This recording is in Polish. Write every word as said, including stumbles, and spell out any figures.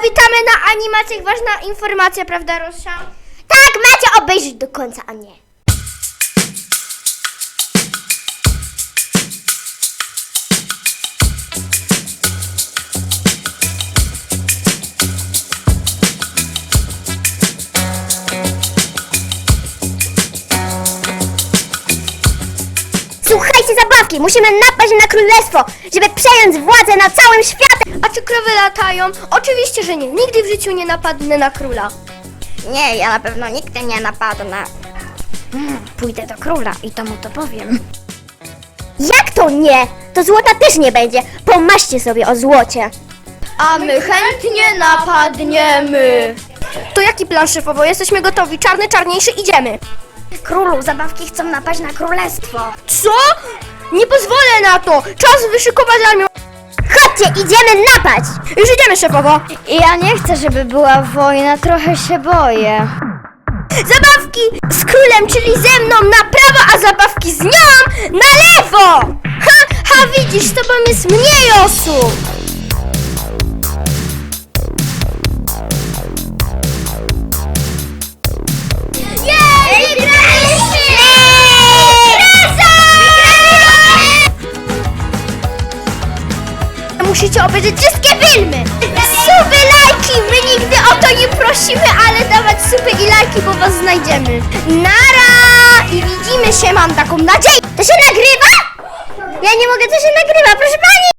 witamy na animacjach. Ważna informacja, prawda, Rosia? Tak, macie obejrzeć do końca, a nie. Słuchajcie, zabawki, musimy napaść na królestwo, żeby przejąć władzę nad całym światem. A czy krowy latają? Oczywiście, że nie. Nigdy w życiu nie napadnę na króla. Nie, ja na pewno nigdy nie napadnę. Hmm, pójdę do króla i to mu to powiem. Jak to nie? To złota też nie będzie. Pomarzcie sobie o złocie. A my chętnie napadniemy. To jaki plan, szefowo? Jesteśmy gotowi. Czarny, czarniejszy, idziemy. Królu, zabawki chcą napaść na królestwo. Co? Nie pozwolę na to. Czas wyszykować armię. Chodźcie, idziemy napaść. Już idziemy, szefowo. Ja nie chcę, żeby była wojna, trochę się boję. Zabawki z królem, czyli ze mną na prawo, a zabawki z nią na lewo. Ha, ha, widzisz, z tobą jest mniej osób. Jej, wygraliśmy! Musicie obejrzeć wszystkie filmy! Suby, lajki! My nigdy o to nie prosimy, ale dawać suby i lajki, bo was znajdziemy. Nara! I widzimy się, mam taką nadzieję! To się nagrywa? Ja nie mogę, to się nagrywa, proszę pani!